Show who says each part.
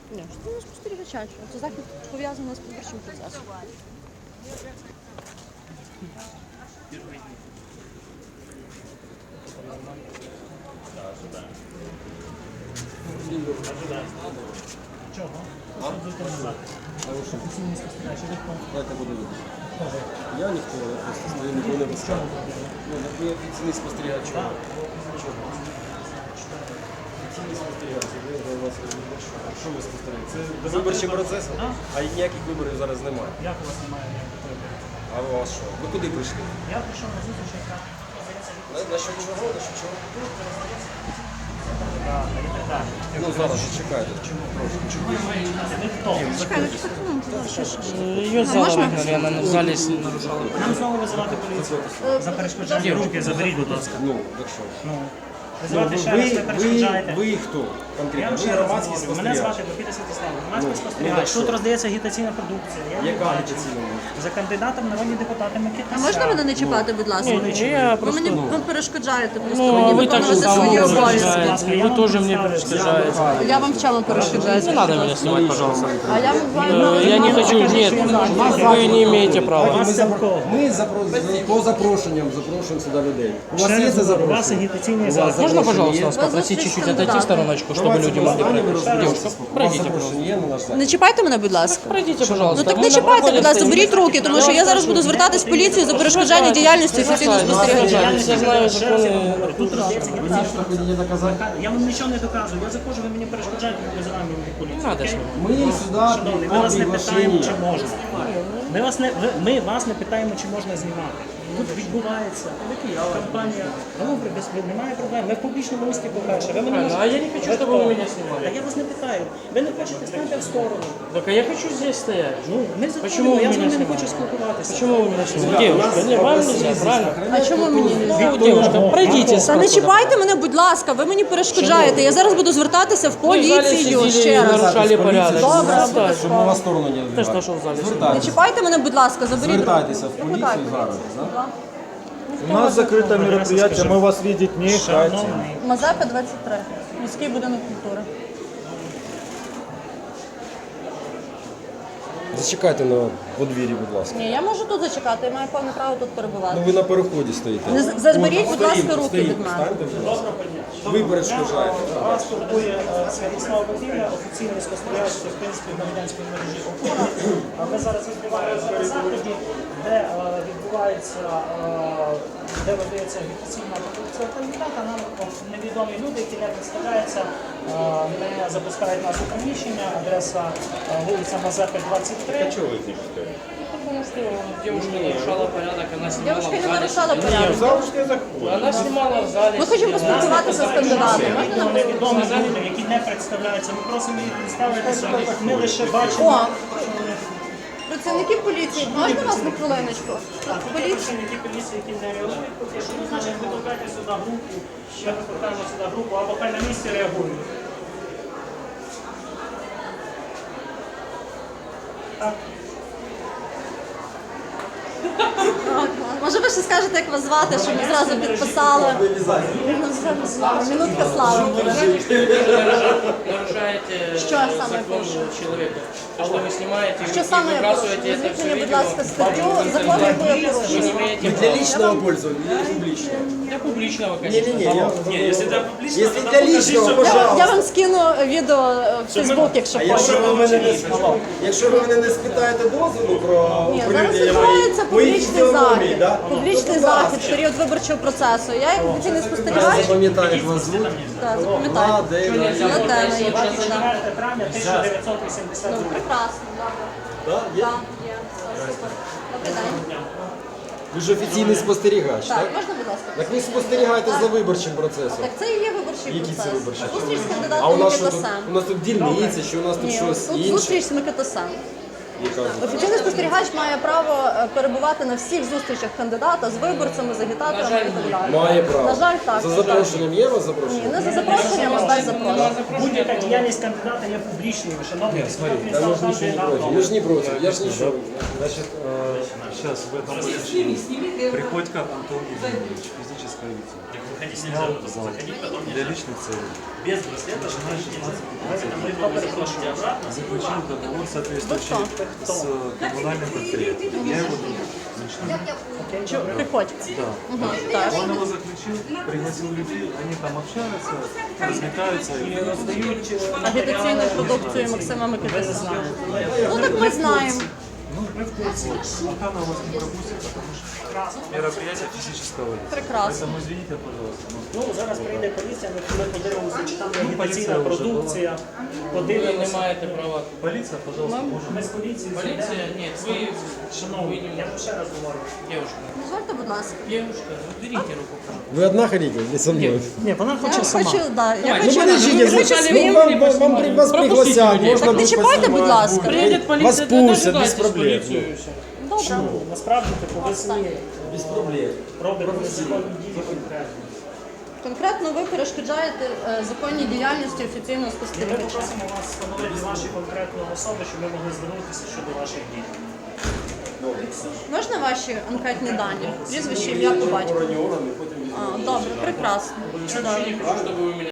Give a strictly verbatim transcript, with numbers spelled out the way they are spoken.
Speaker 1: Ні, що не спостерігача. Це захід пов'язаний з виборчим процесом.
Speaker 2: Чого? Офіційний спостерігач.
Speaker 3: Давайте буде видно. Я ніхто, я просто стою, нікого не пускаю. Ну, так ви офіційний спостерігач. Чого? Чого? Офіційний спостерігач. Ви у вас що ви спостерігаєте? Це виборчий процес? А ніяких виборів зараз немає.
Speaker 2: Як у вас немає ніяких виборів?
Speaker 3: А у вас що? Ви куди прийшли?
Speaker 2: Я прийшов на зустріч, яка
Speaker 3: На, на що чого? На що чого? Ну, зараз же чекайте.
Speaker 2: ви хто?
Speaker 1: Чекай, ну чекай, ну, що ж.
Speaker 4: Ее в зал выгнали, она в зале с- нарушала.
Speaker 2: Нам знову визивати поліцію. За перешкоджання руки заберіть, будь ласка.
Speaker 3: Ну, так що?
Speaker 2: Ну,
Speaker 3: Ну,
Speaker 2: визивати ще раз, ви
Speaker 3: ви, ви,
Speaker 2: перешкоджаєте.
Speaker 3: ви хто?
Speaker 2: Я
Speaker 3: Конкретно?
Speaker 2: вам
Speaker 3: Ви
Speaker 2: ще раз
Speaker 3: громадський
Speaker 2: говорю. Мене
Speaker 3: спостерігач.
Speaker 2: звати Бакіта Святослав. Громадський
Speaker 3: Ну,
Speaker 2: спостерігач.
Speaker 3: ну,
Speaker 2: Тут
Speaker 3: що?
Speaker 2: роздається агітаційна продукція. Я її
Speaker 3: Яка
Speaker 2: бачу.
Speaker 3: агітаційна?
Speaker 2: За кандидатом народні депутати Микита.
Speaker 1: А можна мене не чіпати, будь ласка?
Speaker 4: Не, я
Speaker 1: Ви
Speaker 4: просто...
Speaker 1: мені ви перешкоджаєте просто
Speaker 4: Ну,
Speaker 1: мені
Speaker 4: а вы так же
Speaker 1: виконувати свої
Speaker 4: само
Speaker 1: обов'язки.
Speaker 4: перешкоджаете, вы тоже мне перешкоджаете.
Speaker 1: Я вам в чому перешкоджаю?
Speaker 4: Не надо меня снимать, пожалуйста.
Speaker 1: А я вам
Speaker 4: Э, Я не хочу, нет, вы не имеете права.
Speaker 3: Ми,
Speaker 2: Вас
Speaker 3: запро...
Speaker 2: кого?
Speaker 3: ми запро... по запрошенням запрошуємо сюди людей. У вас
Speaker 2: Ще
Speaker 3: є
Speaker 2: раз
Speaker 3: це
Speaker 2: говорю, у вас
Speaker 3: запрошення?
Speaker 2: агітаційний
Speaker 3: У вас
Speaker 2: захід.
Speaker 4: Можно,
Speaker 3: запрошення
Speaker 4: пожалуйста,
Speaker 3: є?
Speaker 4: вас попросить чуть-чуть отойти в стороночку, чтобы люди могли пройти? Девушка, пройдите, пожалуйста.
Speaker 3: Запрошення є на наш захід?
Speaker 1: Не чіпайте мене, будь ласка.
Speaker 4: Пройдите, пожалуйста.
Speaker 1: Ну так
Speaker 4: Мы
Speaker 1: не
Speaker 4: на
Speaker 1: чіпайте,
Speaker 4: проходе
Speaker 1: будь ласка,
Speaker 4: стоим.
Speaker 1: беріть руки, тому що я зараз буду звертатись в поліцію за перешкоджання діяльності офіційного спостерігача.
Speaker 4: Я знаю законы.
Speaker 2: Тут роздається
Speaker 3: Ви
Speaker 2: агітаційна
Speaker 3: що хотіте доказати?
Speaker 2: Я вам нічого не доказую. Я заходжу, ви мені перешкоджаєте, ви визиваємо мені поліцію.
Speaker 4: Не надо
Speaker 2: окей?
Speaker 4: снимать.
Speaker 3: Ми сюди
Speaker 2: Шановний, ми
Speaker 3: по
Speaker 2: вас не питаємо,
Speaker 3: приглашенню.
Speaker 2: чи можна. Ми вас не, ви- ми вас не питаємо, чи можна знімати. Тут відбувається кампанія. Ну, без, немає проблем. Ми в публічному місті, по-перше. Ви мене
Speaker 4: Правильно.
Speaker 2: можете-
Speaker 4: А я не хочу,
Speaker 2: Ви
Speaker 4: щоб
Speaker 2: хто?
Speaker 4: ви мене знімали.
Speaker 2: Так я вас не питаю. Ви не хочете, станьте в сторону.
Speaker 4: Так а я хочу здесь стоять.
Speaker 2: Ну, ми
Speaker 4: Почему
Speaker 2: заходимо,
Speaker 4: вы
Speaker 2: я з
Speaker 4: меня
Speaker 2: вами не
Speaker 4: снимаете?
Speaker 2: хочу спілкуватися.
Speaker 4: Почему вы меня снимаете? Девушка, не, вам нельзя, правильно?
Speaker 1: А чому мені не
Speaker 4: Ну, девушка, пройдите.
Speaker 1: Та не
Speaker 4: спокойно.
Speaker 1: чіпайте мене, будь ласка, ви мені перешкоджаєте. Я зараз буду звертатися в
Speaker 4: Вы в зале
Speaker 1: поліцію
Speaker 4: сидели
Speaker 1: ще
Speaker 4: и
Speaker 1: раз.
Speaker 4: нарушали порядок.
Speaker 1: Добре,
Speaker 4: Звертайтесь.
Speaker 3: Щоб ми вас в сторону не
Speaker 4: Ты
Speaker 3: відбивали.
Speaker 4: что, что в зале?
Speaker 1: Не
Speaker 3: Звертайтеся.
Speaker 1: чіпайте мене, будь ласка, заберіть руки.
Speaker 3: Звертайтеся в поліцію
Speaker 1: Викликайте
Speaker 3: зараз. да?
Speaker 5: У нас закрыто мероприятие, мы вас видеть не хотим.
Speaker 2: Шановний,
Speaker 1: Мазепа двадцять три. Міський будинок культури.
Speaker 3: Зачекайте на подвір'ї, будь ласка.
Speaker 1: Ні, я можу тут зачекати, я маю повне право тут
Speaker 3: Ну
Speaker 1: перебувати.
Speaker 3: ви на переході стоїте.
Speaker 1: Не з- заберіть, будь ласка,
Speaker 3: Стоїмо,
Speaker 1: руки
Speaker 3: стоїмо.
Speaker 1: від мене.
Speaker 3: Станьте, будь ласка. Ви перешкоджаєте.
Speaker 2: вас турбує е, Святослав Бакіна, офіційний спостерігач Всеукраїнської громадянської мережі «Опора». А Ми зараз відбуваємося на заході, де е, відбувається, е, де видається агітаційна продукція кандидата. Нам от, невідомі люди, які не представляються, е, не запускають нас у приміщення. Адреса е, вулиця Мазепи, двадцять три.
Speaker 4: Потому что девушка нарушала порядок, она снимала
Speaker 1: Дівчинка
Speaker 4: в
Speaker 1: не
Speaker 4: зале.
Speaker 1: нарушала порядок.
Speaker 4: Она снимала в зале.
Speaker 1: Ми хочемо
Speaker 4: сидела.
Speaker 1: поспілкуватися з кандидатом. Можна нам
Speaker 2: Невідомі люди, які не представляються. Ми просимо їх представитися. Ми лише бачимо.
Speaker 1: О, працівники поліції, можна вас на хвилиночку? Поліція.
Speaker 2: Працівники поліції, які не реагують, поки що, ну, значить, викликайте сюди групу, ще викликаємо сюди групу, або хай на місці реагують. Так.
Speaker 1: Може ви ще скажете, як вас звати, щоб ми зразу підписали? Ну, все, слава. Минутка слави буде.
Speaker 4: Нарушаете
Speaker 1: Що саме
Speaker 4: закон
Speaker 1: пише?
Speaker 4: человека. То, что вы снимаете
Speaker 1: Що
Speaker 4: и
Speaker 1: саме я прошу?
Speaker 4: выбрасываете это
Speaker 1: Візьміть
Speaker 4: все
Speaker 1: мені, будь
Speaker 4: видео,
Speaker 1: ласка, статтю, закон, яку я
Speaker 4: вы не
Speaker 1: порушую.
Speaker 4: имеете
Speaker 3: Для
Speaker 4: права.
Speaker 3: личного пользования или публичного?
Speaker 4: Для публичного, конечно.
Speaker 3: Не-не-не, я...
Speaker 6: Не, если для публичного,
Speaker 3: Если
Speaker 6: тогда
Speaker 3: для
Speaker 6: покажи,
Speaker 3: личного,
Speaker 6: что-
Speaker 1: Я, я
Speaker 3: пожалуйста.
Speaker 1: вам скину відео в Фейсбук, якщо
Speaker 3: А якщо
Speaker 1: хочете.
Speaker 3: ви мене не спитаєте, якщо ви мене не спитаєте дозволу про
Speaker 1: Ні, зараз
Speaker 3: оприлюднення
Speaker 1: відбувається
Speaker 3: моїх- моїх
Speaker 1: публічний
Speaker 3: фізіономій,
Speaker 1: захід.
Speaker 3: да?
Speaker 1: Публічний
Speaker 3: Будь ласка.
Speaker 1: захід в період виборчого процесу. Я як офіційний
Speaker 3: Я
Speaker 1: спостерігач,
Speaker 3: запам'ятаю, як вас звуть.
Speaker 1: так, запам'ятаю.
Speaker 3: Ладена.
Speaker 1: Ладена, є так.
Speaker 2: четвертого травня тисяча дев'ятсот вісімдесят
Speaker 1: Ну,
Speaker 2: другого.
Speaker 1: прекрасно, добре.
Speaker 3: Да? Є?
Speaker 1: Так, є, все, супер. Добрий день.
Speaker 3: Ви ж офіційний спостерігач,
Speaker 1: Так,
Speaker 3: так?
Speaker 1: можна, будь ласка?
Speaker 3: Так ви спостерігаєте за виборчим процесом.
Speaker 1: Так це і є виборчий
Speaker 3: Які
Speaker 1: процес.
Speaker 3: це виборчі?
Speaker 1: Зустріч з
Speaker 3: А у
Speaker 1: кандидатом
Speaker 3: нас що тут?
Speaker 1: Микитасем.
Speaker 3: У нас тут дільниці, чи у нас тут
Speaker 1: Ні,
Speaker 3: щось
Speaker 1: тут
Speaker 3: інше?
Speaker 1: зустріч з Микитасем.
Speaker 3: яка
Speaker 1: Офіційний спостерігач має право е, перебувати на всіх зустрічах кандидата з виборцями, з агітаторами і так далі.
Speaker 3: має право.
Speaker 1: На жаль, так.
Speaker 3: За запрошенням є у вас
Speaker 1: Ні,
Speaker 3: запрошення?
Speaker 1: не за запрошенням, а без запрошення.
Speaker 2: Будь-яка діяльність кандидата є публічною, шановні.
Speaker 3: Та ми ж нічого не проти. Ми ж не проти. Я ж нічого.
Speaker 6: Значит, сейчас в этом помещении Приходько Антон Евгеньевич, физическое лицо. Снял зал для личных целей.
Speaker 2: Без браслета
Speaker 6: Начиная с шестнадцати заключил договор соответствующий с коммунальным предприятием. Я его друг лично.
Speaker 1: Приходь.
Speaker 6: Да.
Speaker 1: Мгм, так.
Speaker 6: Он его заключил, пригласил людей, они там общаются, развлекаются и
Speaker 2: роздають
Speaker 1: Агітаційну продукцію Максима Микитися. Ну так ми знаємо.
Speaker 6: пока она вас не пропустит, потому что мероприятие физического лица.
Speaker 1: Прекрасно.
Speaker 6: Поэтому извините, пожалуйста.
Speaker 2: Ну, зараз прийде поліція, ми ми подивимося, чи там є агітаційна
Speaker 6: поліція вже
Speaker 2: продукція.
Speaker 4: Ви не
Speaker 2: Подивимося.
Speaker 4: маєте права.
Speaker 6: Полиция, пожалуйста, может.
Speaker 2: Ми з поліції
Speaker 4: Поліція?
Speaker 2: зайдемо.
Speaker 4: Ні, ви,
Speaker 2: Шановні, я вам ще раз говорю.
Speaker 4: девушка,
Speaker 1: Дозвольте, будь ласка.
Speaker 4: девушка, уберите руку, пожалуйста.
Speaker 3: Ви одна ходите, не со мною?
Speaker 2: Ні, вона
Speaker 1: Я
Speaker 2: хоче сама.
Speaker 1: хочу, да, я
Speaker 4: Давай,
Speaker 1: хочу,
Speaker 4: ну,
Speaker 3: Подождите,
Speaker 1: я хочу
Speaker 3: ну,
Speaker 1: своїм.
Speaker 3: вам, вам, вам при- вас пригласят, можно
Speaker 1: Так не
Speaker 3: будет
Speaker 1: чіпайте, будь
Speaker 3: поснимать,
Speaker 1: ласка.
Speaker 3: будет.
Speaker 4: Приедет
Speaker 3: Вас
Speaker 4: полиция,
Speaker 3: пустят, без
Speaker 4: дожидайтесь
Speaker 3: проблем.
Speaker 4: полицию и все.
Speaker 1: Добре.
Speaker 2: Насправді, типу, ви самі
Speaker 3: Без проблем.
Speaker 2: робите незаконні дії конкретно.
Speaker 1: Конкретно ви перешкоджаєте е, законній діяльності офіційного
Speaker 2: І ми
Speaker 1: спостерігача.
Speaker 2: попросимо вас встановити ваші конкретні особи, щоб ми могли звернутися щодо ваших дій.
Speaker 1: Можна ваші анкетні дані? Прізвище, ім'я, по батьку?
Speaker 3: Органи, органи, потім
Speaker 1: А, добре, прекрасно. Чудово.
Speaker 4: Чтобы вы меня